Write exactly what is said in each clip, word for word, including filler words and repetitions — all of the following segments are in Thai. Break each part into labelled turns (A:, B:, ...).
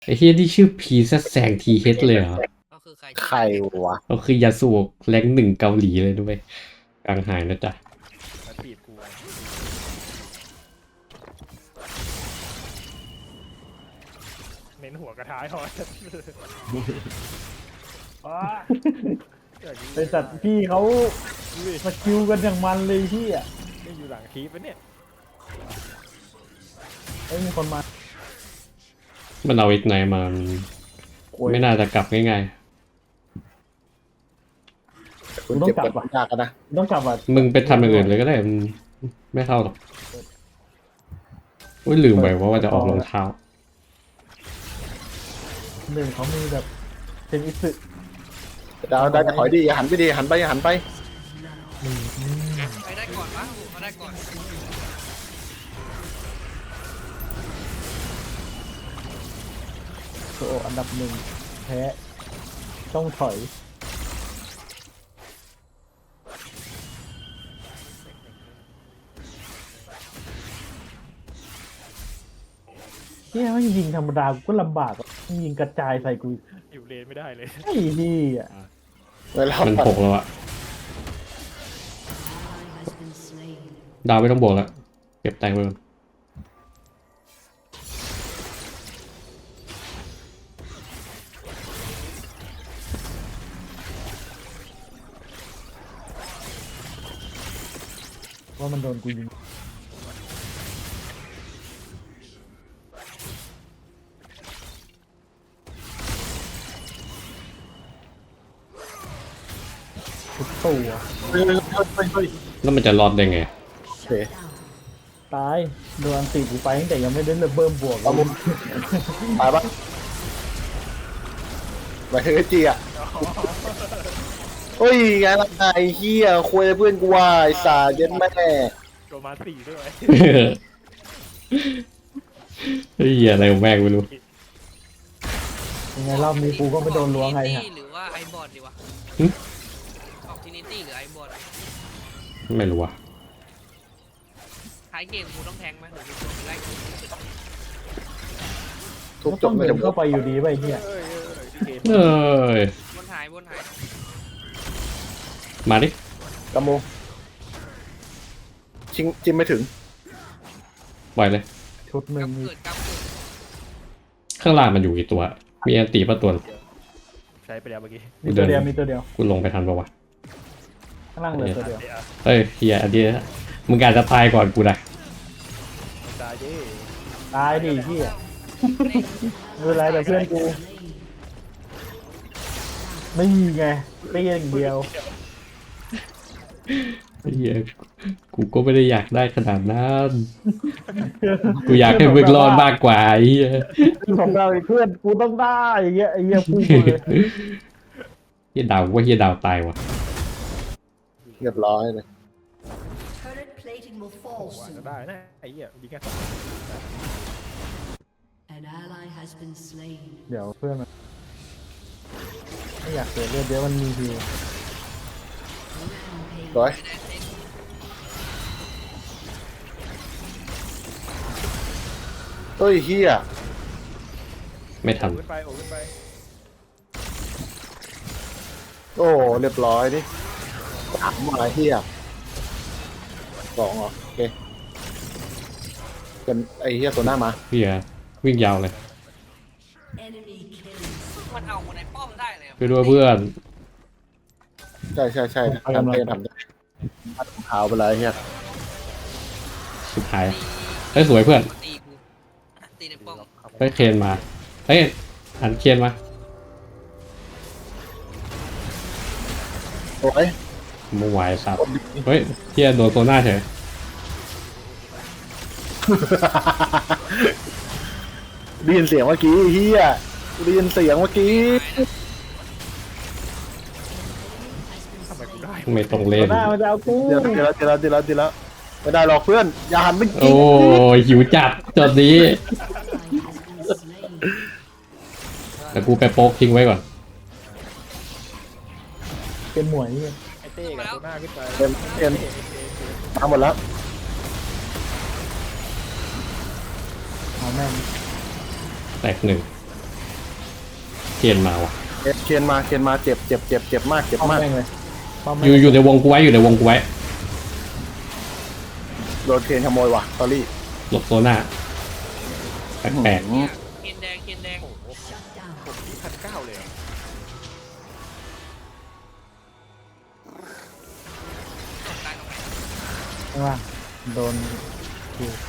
A: ไอ้เฮียที่ชื่อพีซแซงทีเฮดเลยเหรอ
B: ก็คือใคร
C: ใครวะ
A: ก็คือยาสูบแรงหนึ่งเกาหลีเลยด้วยกลางหายนะจ๊ะ
D: มาถีบกูเน้นหัวกระท้ายพอ
E: ไอสัตว์พี่เขาสกิลกันอย่างมันเลยพี่อ่ะ
D: นี่อยู่หลังคีปปะเนี่ย
E: ไอ้ยมีคนมา
A: มันเอาอีกไหนมาไม่น่าจะกลับง่าย
C: คุณเก็บกดยากกันนะ
E: ต้องกลับอ่ะ
A: ๆมึงไปทำอย่างอื่นเลยก็ได้มันไม่เข้าหรอกอุ้ยลืมไปว่าว่าจะออกรองเท้า
E: หนึ่งเขามีแบบเป็นอิสึ
C: ดาวดาวจะถอยดีอย่าหันไปดีหันไปอย่าหันไป
B: ใครได้ก่อนวะผมก็ได้ก่อน
E: โซโออันดับหนึ่งแพ้ต้องถอยเนี่ยมันยิงธรรมดากูก็ลำบากอะยิงกระจายใส่กู
D: อยู่เลนไม่ได้เลย
E: ไอ้นี่อ่ะ
C: เวลา
A: มันหกแล้วอะดาวไม่ต้องบวกแล้วเก็บแตงไปก่อน
E: ว่ามันโดนกูยิงทุกตัว
C: เฮ้ยเฮ้ยเฮ้ยเฮ้ย
A: แล้วมันจะรอดได้ไง
C: โอเค
E: ตายโดนอันตีกูไปตั้งแต่ยังไม่ได้เริ่มบวก
C: เอามุมตายปะไปเฮ้ยจีอ่ะเฮ้ยไงล่ะไอ้เฮียคุยเพื่อนกูว่าไอ้สาเย็นแม่
D: โดนมาสี่ด้วย
A: เฮ้ยอะไรของแม่งไม่รู้
E: ยังไงรอบนี้กูก็ไม่โดนล้วงไงฮะ
B: หรือว่าไอบอดดีวะออกทินิตี้หรือไอบอด
A: ไม่รู้ว่ะ
B: ท้ายเกมกูต้องแทงไหมหรือกูไล่กู
C: ทุบ
E: ก็
C: จ
E: ต้
C: บ
E: อง
C: ไม่
E: เดิ
C: จ
E: น
C: บ
E: เข้าไปอยู่ดีไปเฮีย
D: เอ้ยเอ้ยเอ้ยเกม
A: เอ้ย
B: บนหายบนหาย
A: มาดิ
C: กระโมชิงจิ้มไม่ถึง
A: ปล่อยเลย
E: ชุดหนึ่ง
B: กำ
E: มี
B: เกิดกำเกิด
A: ข้างล่างมันอยู่กี่ตัว มีอันตีประตัว
D: ใช้ไปแล้วเมื่อกี้
E: มีตัวเดียวมีตัวเดียว
A: กูลงไปทันปะวะ
E: ข้างล่างเหลือตัวเดียว
D: เดี๋ยว
A: เฮ้ยเฮียอันนี้มึงอาจจะตายก่อนกูนะ
D: ตายดิ
E: ตายดิเฮียไม่เป็นไรแต่เพื่อนกูไม่มีไงเปี้ยอย่างเดียว
A: เฮียกูก็ไม่ได้อยากได้ขนาดนั้นกูอยากให้มึงรอดมากกว่าไอ้เฮีย
E: ของเราเพื่อนกูต้องได้อย่างเงี้ยไอ้เหี้ยพูดเลย
A: เฮียดาวว่าเฮียดาวตายว่ะ
C: เรียบร้อยเลย
F: Turret plating will fall
D: ว่า
F: soon.
D: จะได้นะไอ้เหี้ยยิงแค่สอง
F: An ally has been slain.
E: เดี๋ยวเพื่อนมันไม่อยากเสียเลือดเดี๋ยวมันมีฮิว
C: ร้อยเฮ้ยเฮีย
A: ไม่ทัน
D: โอ้ขึ้นไปโอ้ขึ้นไป
C: โอ้เรียบร้อยดิถามมาเฮียสองเหรอโอเคเป็นไอ้เฮียตัวหน้ามา
A: เฮียวิ่งยาวเลย
F: Enemy killing.
B: มันเอาคนในป้อมได้เลย
A: ไปด้วยเพื่อน
C: ใช่ใช่ใช่ทำเองทำได้ทำเท้าไปเลยเฮีย
A: สุดท้ายเฮ้ยสวยเพื่อน
B: ตีกูตีในป้อม
A: เฮ้ยเคนมาเฮ้ยหันเคนมา
C: โอ้ย
A: มึงไหวสับเฮ้ยเฮียโดนโซน่าเฉย
C: ได้ยินเสียงเมื่อกี้เฮียได้ยินเสียงเมื่อกี้
D: ทำไมกูได้
A: ไม่ต้องเล่
E: ตัวน หน้ามันจะเอากู
C: เดี๋ยวเดี๋ยวเดี๋ยวเดี๋ยวเดี๋ยวไม่ได้หรอกเพื่อนอย่าหันไปยิ
A: โอ้
C: ง
A: ยหิวจัดจดนี้
F: Ally has been slain.
A: แต่กูไปโป๊กทิ้งไว้ก่อน
E: เป็นหมวยเหี้ย
D: ไอ้เต้กับตัวหน้าขึ้นไป
C: เต็มเต็มมาหมดแล้ว
E: เอาแม่ง
A: แตกหนึ่งเคนมาว่ะ
C: เอ็ดเคนมาเคนมาเจ็บเจ็บเจ็บเจ็บมากเจ็บ
E: ป้อม
C: มาก
E: แม่งเลยป้อม
A: อ
E: แม่ง
A: ยู่อยู่ในวงกูไว้อยู่ในวงกูไว้
C: โดนเคนขโมยว่ะตอรี่
A: หลบโซน่าแปลก
C: อืม
B: เคนแดงเคนแดง
D: โอ้โห
F: Shut down.
D: ผมที่พันเก้าเลยอะ
B: ตกตายตรงไหน
E: ใช่ป่ะโดนคิว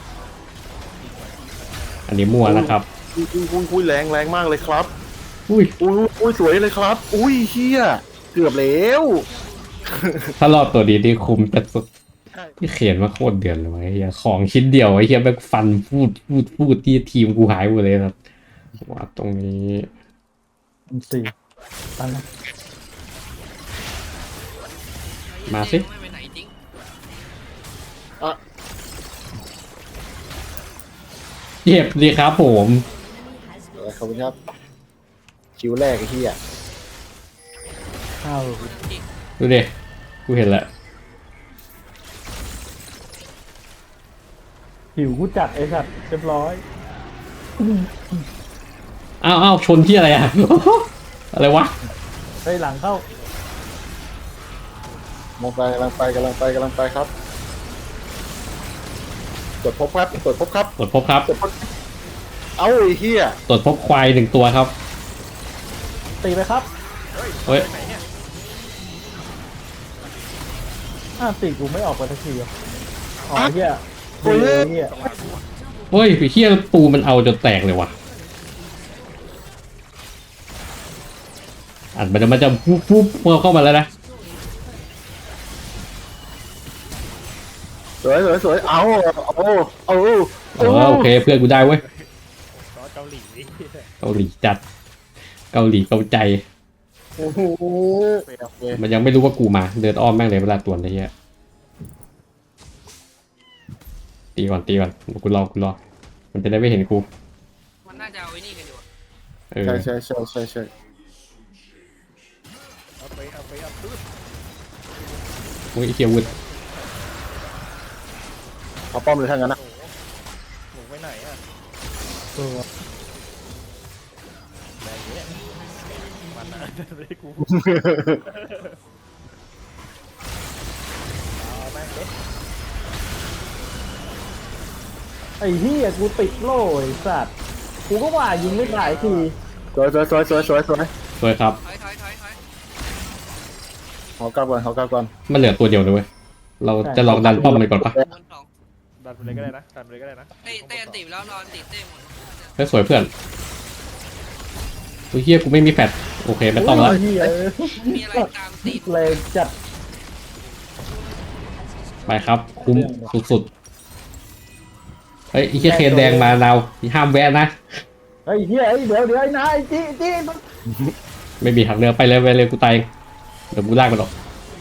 A: ๆอันนี้มั่วนะครับ
C: อุ้ยอุ้ยอุ้ยอุ้ยแรงแรงมากเลยครับ
A: อุ้ย
C: อุ้ยอุ้ยสวยเลยครับ อุ้ยเฮียเกือบแล้ว
A: ถ้ารอบตัวนี้นี่คุมแต่สุดที่เขียนว่าโคตรเดือนเลยวะไอ้เหี้ยของชิ้นเดียวไอ้เหี้ยแม่งฟันพูดพูดพูดที่ทีมกูหายหมดเลยครับว่าตรงนี้
E: อันสี่ตั้งนะ
A: มาสิ
B: ไม่ไปไหนจริง
A: เจ็บดีครับผม
C: เออขอบคุณครับคิวแรกไอ้เฮีย
E: ข้าว
A: ดูดิกูเห็นแล้ว
E: หิวกูจัดไอ้สัตว์เรียบร้อย
A: อ้าวอ้าวชนที่อะไรอ่ะ อะไรวะ
E: เฮ้ยหลังเข้าม
C: องไปกำลังไปกำลังไปกำลังไปครับตรวจพบครับตรวจพบครับ
A: ตรวจพบครับ
C: ตรวจพบเอ้าไอ้เฮีย
A: ตรวจพบควายหนึ่งตัวครับ
E: ตีไปครับ
A: เฮ้ย
D: ไหนเนี่ย
E: อ้าวตีกูไม่ออกไปทักทีอ่ะอ๋อเฮีย
C: โอ้ย
E: เฮีย
A: เฮ้ยไอ้เหี้ยปูมันเอาจนแตกเลยว่ะอันมันจะมันจะปุ๊บปุ๊บเข้ามาแล้วนะ
C: สวยสวยสวยเอาเอาเอา
A: เออโอเคเพื่อนกูได้เว้ย
D: ซอสเกาหลี
A: เกาหลีจัด เกาหลีเกาใจ
C: โอ้โห
A: มันยังไม่รู้ว่ากูมาเดินอ้อมแม่งเลยเวลาตรวจอะไรเงี้ยตีก่อนตีก่อนกูรอกูรอมันจะได้ไม่เห็นกู
B: มันน่าจะเอาไอ้นี่กันอยู่อะ
A: เออ
C: ใช่ใช่ใช่ใช่ใช่
D: เอาไปเอาไปเอาปื้ด
A: อุ้ยไอ้เฮียวุ้น
C: เอาป้อมเลยทั้งนั้นนะ
D: หมูไว้ไหนอ่ะ
E: ตัว
D: แรงเนี้ยมันนะไม่ได้กูเอาแม่งเด็ด
E: ไอ้เฮียกูติดโล่ไอ้สัตว์กูก็ว่ายิงไม่ได้ที
C: สวยสวยสวยสวยสวยสวย
A: สวยครับ
B: ถอยถอยถอยถอย
C: เขากลับก่อนเขากลับก่อน
A: มันเหลือตัวเดียวเลยเว้ยเราจะลองดันป้อมไปก่อนปะ
B: บนสอง
D: ดันไปเลยก็ได้นะดันไปเลยก็ได้นะ
B: เต้เต้อันติแล้วนอนติดเต้หมด
A: เฮ้ยสวยเพื่อนอุ้ยเฮียกูไม่มีแฟดโอเคไม่ต้องละ
E: โยเฮีย
B: มีอะไรตามติด
E: แรงจัด
A: ไปครับ คุ้มสุดๆเฮ้ยไอ้เฮียเคนแดงมาเราห้ามแวะนะ
E: ไอ้เฮียไอ้เดี๋ยวเดี๋ยวไอ้นายจีจี
A: ไม่มีหักเรือไปเลยไปเลยกูตายเองเดี๋ยวกูลากมันออก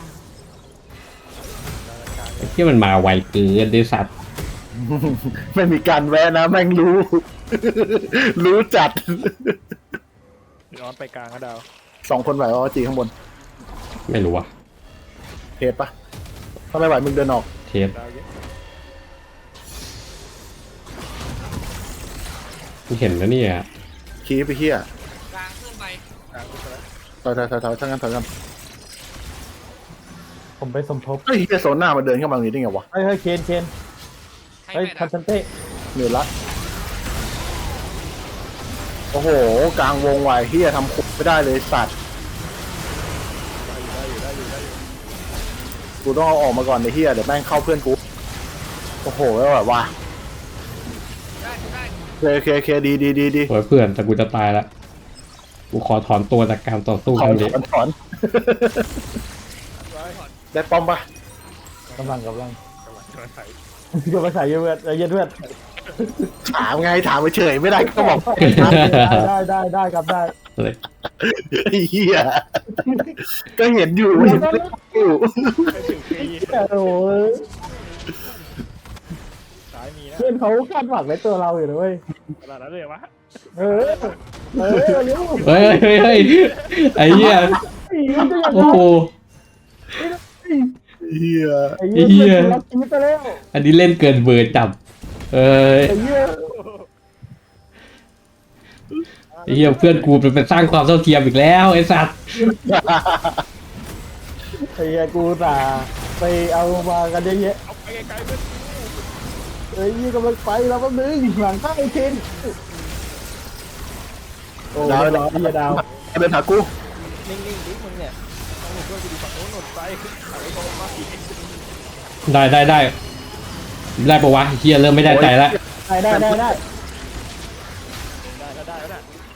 A: ไอ้เฮียมันมาไวเกินไอ้สัตว์
C: ไม่มีการแวะนะแม่งรู้ รู้จัด
D: ย้อนไปกลางก็ดาว
C: สองคนไหวว่าจีข้างบน
A: ไม่รู้ว่ะ
C: เทปปะถ้าไม่ไหวมึงเดินออก
A: เทป
D: ดาวเยอะ
A: กูเห็นแล้วเนี่ย
C: คีไปเฮีย
B: กลางขึ้นไป
D: กลางขึ้นไปแล้ว
C: ถอยถอยถอยถอยทั้งนั้นถอยกัน
E: ผมไปสมทบ
C: เฮ้ยเฮียโซนหน้ามาเดินเข้ามาตรงนี้ได้ไงวะ
E: เฮ้ยเฮ้ยเคนเคน
B: ให้
E: เฮ้ย
B: แม่
E: ทัน
B: นะ
E: ชันเต้
C: เหนื่อยละโอ้โหกลางวงไหวเฮียทำคุกไม่ได้เลยสัตว์
D: ได้อยู่ได้อยู่ได้อยู่
C: กูต้องเอาออกมาก่อนไอ้เฮียเดี๋ยวแม่งเข้าเพื่อนกูโอ้โหแล้วแบบว่า
B: ได้ได้
C: เคเคเคดีดีดีดี
A: สวยเพื่อนแต่กูจะตายละกูขอถอนตัวจากการต่อสู้
C: ถ
A: ค
C: อ
A: รั้
C: น
A: งนี้
C: ถอนถอน ได้ป้อมปะ
E: กำลังกำลัง
D: กำลังกำลังใส่
E: เดี๋ยวมาใส่เยอะเพื่อนใจเย็นเพื่อน
C: ถามไงถามไปเฉยไม่ได้ก็บอก
E: ได้ได้ได้ครับได้
A: เลย
C: ไอ้เฮียก็เห็นอยู่เห็นอยู่
D: ไปถึงปี
E: โอ้ย
D: สายมีนะ
E: เพื่อนเขาคาดหวังในตัวเราอยู่นะเว้ย
D: ขนาดนั้นเลยวะ
E: เออเออเร็ว
A: เฮ้ยเฮ้ยเฮ้ยไอ้เหี้ย
E: อีมันจะยัง
A: โอ้
E: ไง
A: โห
C: เฮีย
E: ไอ้เหี้ยรักชีวิตไปแล้ว
A: อันนี้เล่นเกินเบอร์จับเออ
E: ไอ้เหี้ย
D: อ
A: ไอ้เหี้ยเพื่อนกูเป็นสร้างความเท่าเทียมอีกแล้วไอ้สัตว์
E: ไอ้เหี้ยกูตาไปเอามากันเยอะแยะ
D: เอาไปไกลๆเพื่อน
E: เอ้ยยี่กำลังไปแล้วแป๊บนึงหลังข้างไอ้เคนโอ้ยดาวพี่ดาว
C: เดินหากู
D: นิ่งๆดิมึงเนี่ยต้องหนุนด้วยกูดูฝั่งโน้นหนุนไปเอาไอ้โตมาอีก
A: ได้ได้ได้ได้ปะวะเฮียเริ่มไม่ได้ใจแล้ว
E: ได้ได้ได้ได้
D: ได้แล้วได้แล้วนะ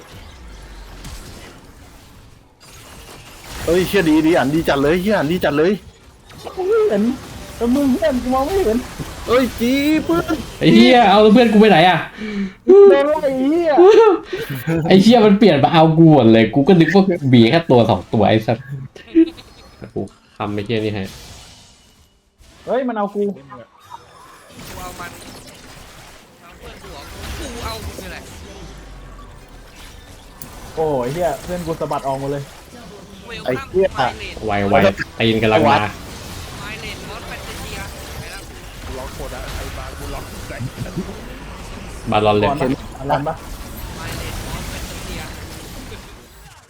C: เอ้ยเชี่ยดีดีอ่านดีจัดเลยเฮียอ่านดีจัดเลย
E: ไม่เห็นแต่มึงเพื่อนกูมองไม่เห็น
C: เอ้ยจีเพื่อน
A: ไอ้เฮียเอาเพื่อนกูไปไหนอ่ะ
E: โดนไล่เหี้ย
A: ไอ้เฮียมันเปลี่ยนมาเอากูหมดเลยกูก็นึกว่าบีแค่ตัวสองตัวไอ้สัตว์กูทำไอ้เฮียนี่ให้
E: เฮ้ยมันเอากู
B: กูเอามันเอาเพื่อนกูเหรอกูเอามึงนี่แหละ
E: โอ้ยเหี้ยเพื่อนกูสะบัดออกหมดเลย
B: เวลคัมไมเลน
A: ไวไวตีนกำลังมา
B: ไมเลนมอสแฟนตาเซียไปแล้ว
D: กูล็อกโคตรอะไอ้บางกูล็อกใจ
A: บาลอนเลย
E: ก่อนปะอลันปะ